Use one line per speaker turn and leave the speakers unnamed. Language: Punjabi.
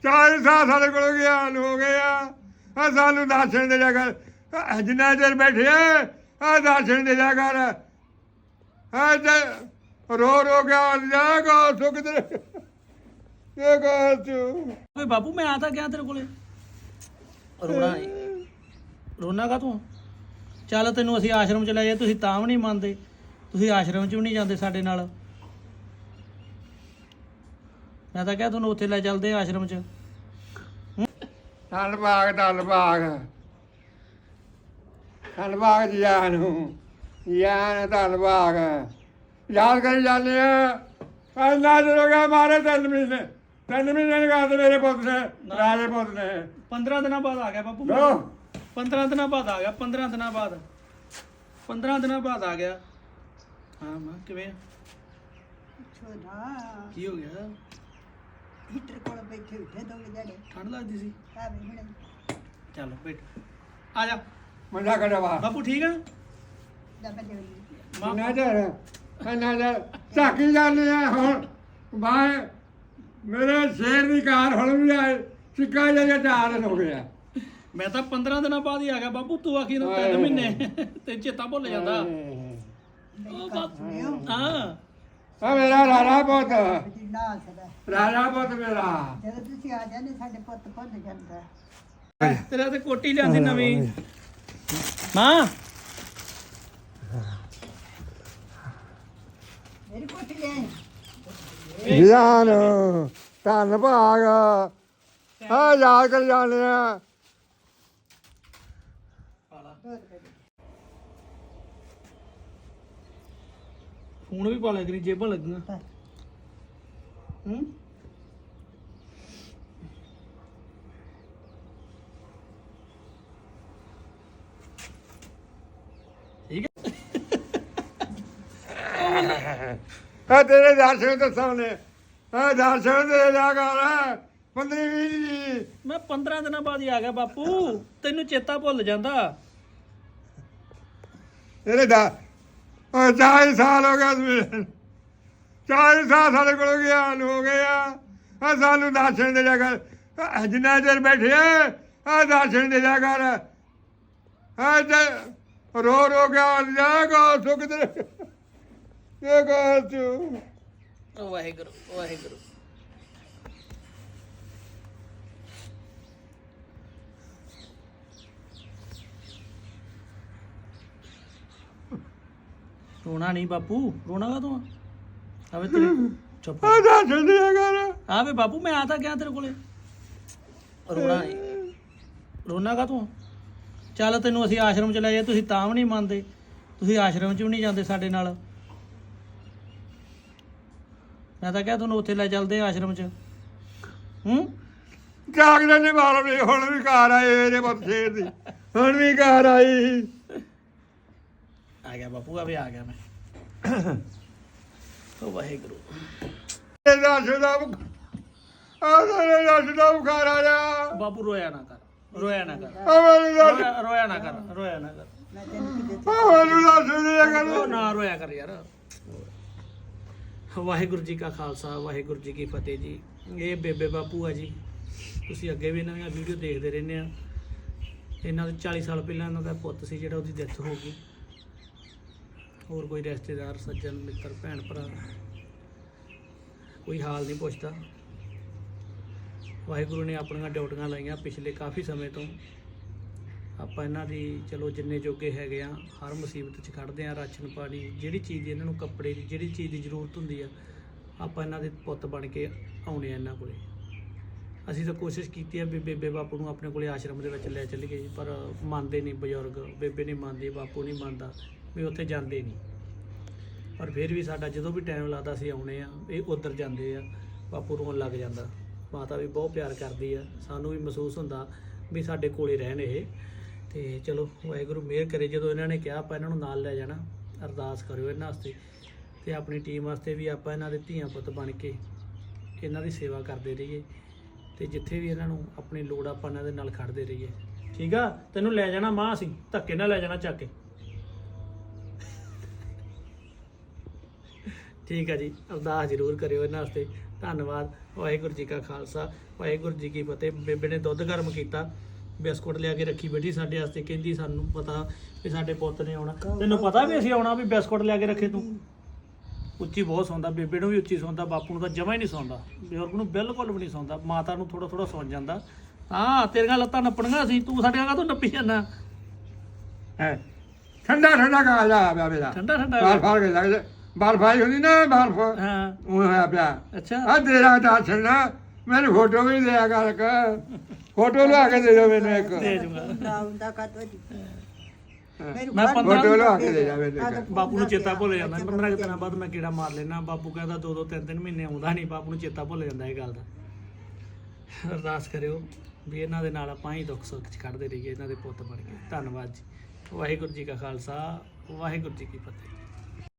40 ਸਾਲ ਸਾਡੇ ਕੋਲ ਗਿਆਨ ਹੋ ਗਏ ਆ ਸਾਨੂੰ ਦਰਸ਼ਨ ਦੇ ਜਾ ਕਰ ਜਿੰਨਾ ਚਿਰ ਬੈਠੇ ਆ ਦਰਸ਼ਨ ਦੇ ਜਾ ਕਰ ਰੋ ਰੋ ਗਿਆ ਜਾ ਕੋ ਸੁਖ ਤੇ ਇਹ ਕਰ ਤੂੰ
ਓਏ ਬਾਪੂ ਮੈਂ ਆ ਤਾਂ ਗਿਆ ਤੇਰੇ ਕੋਲੇ ਰੋਣਾ ਰੋਣਾ ਕਾ ਤੂੰ ਚੱਲ ਤੈਨੂੰ ਅਸੀਂ ਆਸ਼ਰਮ ਚ ਲੈ ਜਾਏ ਤੁਸੀਂ ਤਾਂ ਵੀ ਨਹੀਂ ਮੰਨਦੇ ਤੁਸੀਂ ਆਸ਼ਰਮ ਚ ਵੀ ਨਹੀਂ ਜਾਂਦੇ ਸਾਡੇ ਨਾਲ ਮੈਂ ਤਾਂ ਕਿਹਾ ਤੁਹਾਨੂੰ ਉੱਥੇ ਲੈ ਚੱਲਦੇ ਆਸ਼ਰਮ ਚ
ਧੰਨਵਾਦ ਧੰਨਵਾਦ ਜੀਆਂ ਨੂੰ ਜੀਆਂ ਧੰਨਵਾਦ ਯਾਦ ਕਰੀ ਜਾਂਦੇ ਆ ਇੰਨਾ ਚਿਰ ਹੋ ਗਿਆ ਮਾਰੇ 3 ਮਹੀਨੇ ਨਿਕਾਲ ਤੇ ਮੇਰੇ ਪੁੱਤ ਨੇ ਰਾਜੇ ਪੁੱਤ ਨੇ
15 ਦਿਨਾਂ ਬਾਅਦ ਆ ਗਿਆ ਬਾਪੂ 15 ਦਿਨਾਂ ਬਾਅਦ ਆ ਗਿਆ 15 ਦਿਨਾਂ ਬਾਅਦ 15 ਦਿਨਾਂ ਬਾਅਦ ਆ ਗਿਆ ਹਾਂ ਮਾਂ ਕਿਵੇਂ
ਛੋਟਾ
ਕੀ ਹੋ ਗਿਆ
ਹੀਟਰ ਕੋਲ ਬੈਠੇ ਉੱਠੇ ਦੋ ਜਿਹੜੇ
ਠੰਡ ਲੱਗਦੀ ਸੀ
ਆ ਵੀ ਹੁਣ
ਚੱਲ ਬੈਠ ਆ ਜਾ
ਮੁੰਡਾ ਕਢਵਾ
ਬਾਪੂ ਠੀਕ ਆ
ਦਬਾ ਦੇ
ਨਾ ਝਾਕੀ ਜਾਂਦੇ ਆ ਹੁਣ ਬਾਏ ਮੇਰੇ ਸ਼ੇਰ ਦੀ ਕਾਰ ਹੁਣ ਵੀ ਆਏ ਸਿੱਕਾ ਜਿਹਾ 4 ਦਿਨ ਹੋ ਗਿਆ
ਮੈਂ ਤਾਂ 15 ਦਿਨਾਂ ਬਾਅਦ ਹੀ ਆ ਗਿਆ ਬਾਪੂ ਤੂੰ ਆਖੀ ਨਾ 3 ਮਹੀਨੇ ਤੇ ਚੇਤਾ ਭੁੱਲ ਜਾਂਦਾ ਹਾਂ
ਆ ਮੇਰਾ ਰਾਣਾ ਪੁੱਤ
ਜਿੰਨਾ ਸਦਾ
ਰਾਣਾ ਪੁੱਤ ਮੇਰਾ
ਜਦੋਂ ਤੁਸੀਂ ਆ ਜਾਂਦੇ ਸਾਡੇ ਪੁੱਤ ਭੁੱਲ ਜਾਂਦਾ
ਤੇਰਾ ਤੇ ਕੋਟੀ ਲਿਆਂਦੀ ਨਵੀਂ ਮਾਂ
ਮੇਰੀ ਕੋਠੀ ਲੈ
ਗਿਆਨ ਧੰਨਵਾਦ ਆ ਯਾਦ ਕਰ ਜਾਂਦੇ ਆ
ਫੋਨ ਵੀ ਪਾ ਲਿਆ ਕਰੀ ਜੇਬਾਂ ਲੱਗੀਆਂ ਹੂੰ ਠੀਕ
ਆ ਤੇਰੇ ਦਰਸ਼ਨ ਤੇ ਸਾਹਮਣੇ ਆ ਦਰਸ਼ਨ ਦੇ ਜਾ ਕਰ 15-20 ਜੀ
ਮੈਂ 15 ਦਿਨਾਂ ਬਾਅਦ ਹੀ ਆ ਗਿਆ ਬਾਪੂ ਤੈਨੂੰ ਚੇਤਾ ਭੁੱਲ ਜਾਂਦਾ
ਤੇਰੇ ਦਾ 40 ਸਾਲ ਹੋ ਗਏ 40 ਸਾਲ ਸਾਡੇ ਕੋਲ ਗਿਆਨ ਹੋ ਗਏ ਆ ਸਾਨੂੰ ਦਰਸ਼ਨ ਦੇ ਜਾ ਕਰ ਜਿੰਨਾ ਚਿਰ ਬੈਠੇ ਆ ਦਰਸ਼ਨ ਦੇ ਜਾ ਕਰ ਰੋ ਰੋ ਗਿਆ ਜਾ ਕੋ ਸੁਖ ਤੇ ਇਹ ਕਰ ਤੂੰ
ਵਾਹਿਗੁਰੂ ਵਾਹਿਗੁਰੂ ਰੋਣਾ ਨਹੀਂ ਬਾਪੂ ਰੋਣਾ ਕਾ ਤੂੰ ਆਵੇ ਤੇਰੇ ਚੁੱਪ
ਆ ਦਰਸ਼ਨ ਦੇ ਜਾ ਕਰ
ਆਵੇ ਬਾਪੂ ਮੈਂ ਆ ਤਾਂ ਗਿਆ ਤੇਰੇ ਕੋਲੇ ਰੋਣਾ ਰੋਣਾ ਕਾ ਤੂੰ ਚੱਲ ਤੈਨੂੰ ਅਸੀਂ ਆਸ਼ਰਮ ਚ ਲੈ ਜਾਏ ਤੁਸੀਂ ਤਾਂ ਵੀ ਨਹੀਂ ਮੰਨਦੇ ਤੁਸੀਂ ਆਸ਼ਰਮ ਚ ਵੀ ਨਹੀਂ ਜਾਂਦੇ ਸਾਡੇ ਨਾਲ ਮੈਂ ਤਾਂ ਕਿਹਾ ਤੁਹਾਨੂੰ ਉੱਥੇ ਲੈ ਚੱਲਦੇ ਆਸ਼ਰਮ ਚ
ਜਾਗਦੇ ਨੇ ਬਾਹਰ ਵੀ ਹੁਣ ਵੀ ਘਰ ਆਏ ਇਹਦੇ ਪੁੱਤ ਸ਼ੇਰ ਦੀ ਹੁਣ ਵੀ ਘਰ ਆਈ
ਆ ਗਿਆ ਬਾਪੂ ਆਵੇ ਆ ਗਿਆ ਮੈਂ ਓ ਵਾਹਿਗੁਰੂ
ਇਹ ਦਰਸ਼ਨ ਦਾ ਤੇਰੇ ਦਰਸ਼ਨ ਦਾ ਬੁਖਾਰ ਆ ਜਾ
ਬਾਪੂ ਰੋਇਆ ਨਾ ਕਰ ਰੋਇਆ ਨਾ ਕਰ
ਮੈਨੂੰ ਦਰਸ਼ਨ
ਰੋਇਆ ਨਾ ਕਰ ਰੋਇਆ ਨਾ ਕਰ
ਮੈਂ ਤੈਨੂੰ ਕੀ
ਮੈਨੂੰ ਦਰਸ਼ਨ ਦੇ ਜਾ ਕਰ
ਉਹ ਨਾ ਰੋਇਆ ਕਰ ਯਾਰ ਵਾਹਿਗੁਰੂ ਜੀ ਕਾ ਖਾਲਸਾ ਵਾਹਿਗੁਰੂ ਜੀ ਕੀ ਫਤਿਹ ਜੀ ਇਹ ਬੇਬੇ ਬਾਪੂ ਆ ਜੀ ਤੁਸੀਂ ਅੱਗੇ ਵੀ ਇਹਨਾਂ ਦੀਆਂ ਵੀਡੀਓ ਦੇਖਦੇ ਰਹਿੰਦੇ ਆ ਇਹਨਾਂ ਦੇ 40 ਸਾਲ ਪਹਿਲਾਂ ਇਹਨਾਂ ਦਾ ਪੁੱਤ ਸੀ ਜਿਹੜਾ ਉਹਦੀ ਡੈਥ ਹੋ ਗਈ ਹੋਰ ਕੋਈ ਰਿਸ਼ਤੇਦਾਰ ਸੱਜਣ ਮਿੱਤਰ ਭੈਣ ਭਰਾ ਕੋਈ ਹਾਲ ਨਹੀਂ ਪੁੱਛਦਾ ਵਾਹਿਗੁਰੂ ਨੇ ਆਪਣੀਆਂ ਡਿਊਟੀਆਂ ਲਾਈਆਂ ਪਿਛਲੇ ਕਾਫੀ ਸਮੇਂ ਤੋਂ ਆਪਾਂ ਇਹਨਾਂ ਦੀ ਚਲੋ ਜਿੰਨੇ ਜੋਗੇ ਹੈਗੇ ਆ ਹਰ ਮੁਸੀਬਤ 'ਚ ਖੜਦੇ ਆ ਰਾਸ਼ਨ ਪਾਣੀ ਜਿਹੜੀ ਚੀਜ਼ ਦੀ ਇਹਨਾਂ ਨੂੰ ਕੱਪੜੇ ਦੀ ਜਿਹੜੀ ਚੀਜ਼ ਦੀ ਜ਼ਰੂਰਤ ਹੁੰਦੀ ਆ ਆਪਾਂ ਇਹਨਾਂ ਦੇ ਪੁੱਤ ਬਣ ਕੇ ਆਉਣੇ ਆ ਇਹਨਾਂ ਕੋਲੇ ਅਸੀਂ ਤਾਂ ਕੋਸ਼ਿਸ਼ ਕੀਤੀ ਆ ਵੀ ਬੇਬੇ ਬਾਪੂ ਨੂੰ ਆਪਣੇ ਕੋਲੇ ਆਸ਼ਰਮ ਦੇ ਵਿੱਚ ਲੈ ਚੱਲੀਏ ਪਰ ਮੰਨਦੇ ਨਹੀਂ ਬਜ਼ੁਰਗ ਬੇਬੇ ਨਹੀਂ ਮੰਨਦੀ ਬਾਪੂ ਨਹੀਂ ਮੰਨਦਾ ਵੀ ਉੱਥੇ ਜਾਂਦੇ ਨਹੀਂ ਪਰ ਫਿਰ ਵੀ ਸਾਡਾ ਜਦੋਂ ਵੀ ਟਾਈਮ ਲੱਗਦਾ ਅਸੀਂ ਆਉਣੇ ਆ ਇਹ ਉੱਧਰ ਜਾਂਦੇ ਆ ਬਾਪੂ ਰੋਣ ਲੱਗ ਜਾਂਦਾ ਮਾਤਾ ਵੀ ਬਹੁਤ ਪਿਆਰ ਕਰਦੀ ਆ ਸਾਨੂੰ ਵੀ ਮਹਿਸੂਸ ਹੁੰਦਾ ਵੀ ਸਾਡੇ ਕੋਲੇ ਰਹਿਣ ਇਹ ਤੇ ਚਲੋ ਵਾਹਿਗੁਰੂ ਮਿਹਰ ਕਰੇ ਜਦੋਂ ਇਹਨਾਂ ਨੇ ਕਿਹਾ ਆਪਾਂ ਇਹਨਾਂ ਨੂੰ ਨਾਲ ਲੈ ਜਾਣਾ ਅਰਦਾਸ ਕਰਿਓ ਇਹਨਾਂ ਵਾਸਤੇ ਤੇ ਆਪਣੀ ਟੀਮ ਵਾਸਤੇ ਵੀ ਆਪਾਂ ਇਹਨਾਂ ਦੇ ਧੀਆਂ ਪੁੱਤ ਬਣ ਕੇ ਇਹਨਾਂ ਦੀ ਸੇਵਾ ਕਰਦੇ ਰਹੀਏ ਤੇ ਜਿੱਥੇ ਵੀ ਇਹਨਾਂ ਨੂੰ ਆਪਣੀ ਲੋੜ ਆਪਾਂ ਇਹਨਾਂ ਦੇ ਨਾਲ ਖੜਦੇ ਰਹੀਏ ਠੀਕ ਆ ਤੈਨੂੰ ਲੈ ਜਾਣਾ ਮਾਂ ਅਸੀਂ ਧੱਕੇ ਨਾਲ ਲੈ ਜਾਣਾ ਚੱਕ ਕੇ ਠੀਕ ਆ ਜੀ ਅਰਦਾਸ ਜ਼ਰੂਰ ਕਰਿਓ ਇਹਨਾਂ ਵਾਸਤੇ ਧੰਨਵਾਦ। ਵਾਹਿਗੁਰੂ ਜੀ ਕਾ ਖਾਲਸਾ ਵਾਹਿਗੁਰੂ ਜੀ ਕੀ ਫਤਿਹ। ਬੇਬੇ ਨੇ ਦੁੱਧ ਗਰਮ ਕੀਤਾ, ਬਿਸਕੁਟ ਲਿਆ ਕੇ ਰੱਖੀ ਬੈਠੀ ਸਾਡੇ ਵਾਸਤੇ, ਕਹਿੰਦੀ ਸਾਨੂੰ ਪਤਾ ਵੀ ਸਾਡੇ ਪੁੱਤ ਨੇ ਆਉਣਾ। ਤੈਨੂੰ ਪਤਾ ਵੀ ਅਸੀਂ ਆਉਣਾ, ਵੀ ਬਿਸਕੁਟ ਲਿਆ ਕੇ ਰੱਖੇ ਤੂੰ। ਉੱਚੀ ਬਹੁਤ ਸੌਂਦਾ, ਬੇਬੇ ਨੂੰ ਵੀ ਉੱਚੀ ਸੌਂਦਾ, ਬਾਪੂ ਨੂੰ ਤਾਂ ਜਮਾ ਹੀ ਨਹੀਂ ਸੌਂਦਾ, ਬਜ਼ੁਰਗ ਨੂੰ ਬਿਲਕੁਲ ਵੀ ਨਹੀਂ ਸੌਂਦਾ, ਮਾਤਾ ਨੂੰ ਥੋੜਾ ਥੋੜਾ ਸੌਂ ਜਾਂਦਾ। ਹਾਂ ਤੇਰੀਆਂ ਲੱਤਾਂ ਨੱਪਣੀਆਂ ਸੀ, ਤੂੰ ਸਾਡੀਆਂ ਕਾਹਤੋਂ ਨੱਪੀ ਜਾਂਦਾ
ਹੈ ਠੰਡਾ ਠੰਡਾ ਕਾ ਜਾ ਪਿਆ ਮੇਰਾ
ਠੰਡਾ ਠੰਡਾ
ਬਾਲ ਫਾੜ ਕੇ ਲੱਗਦੇ ਬਾਲ ਫਾਈ ਹੁੰਦੀ ਨਾ ਬਾਲ ਫਾ
ਹਾਂ
ਉਹ ਹੋਇਆ ਪਿਆ
ਅੱਛਾ
ਆ ਤੇਰਾ ਦਰਸ਼ਨ ਨਾ ਮੈਨੂੰ ਫੋਟੋ ਵੀ ਦਿਆ ਕਰ ਫੋਟੋ ਲਿਆ ਕੇ ਦੇ ਦਿਓ ਮੈਨੂੰ ਇੱਕ
ਦੇ ਜੂਗਾ।
ਆਉਂਦਾ ਕਾਤੋਂ ਜੀ
ਮੈਂ 15
ਫੋਟੋ ਲਿਆ ਕੇ ਦੇ ਜਾ ਮੈਨੂੰ ਇੱਕ।
ਬਾਪੂ ਨੂੰ ਚੇਤਾ ਭੁੱਲ ਜਾਂਦਾ, 15 ਕੁ ਦਿਨਾਂ ਬਾਅਦ ਮੈਂ ਕੀੜਾ ਮਾਰ ਲੈਣਾ। ਬਾਪੂ ਕਹਿੰਦਾ 2-2 3-3 ਮਹੀਨੇ ਆਉਂਦਾ ਨਹੀਂ, ਬਾਪੂ ਨੂੰ ਚੇਤਾ ਭੁੱਲ ਜਾਂਦਾ ਇਹ ਗੱਲ ਦਾ। ਅਰਦਾਸ ਕਰਿਓ ਵੀ ਇਹਨਾਂ ਦੇ ਨਾਲ ਆਪਾਂ ਹੀ ਦੁੱਖ ਸੁੱਖ ਚ ਖੜਦੇ ਰਹੀਏ, ਇਹਨਾਂ ਦੇ ਪੁੱਤ ਬਣ ਕੇ। ਧੰਨਵਾਦ ਜੀ। ਵਾਹਿਗੁਰੂ ਜੀ ਕਾ ਖਾਲਸਾ ਵਾਹਿਗੁਰੂ ਜੀ ਕੀ ਫਤਿਹ।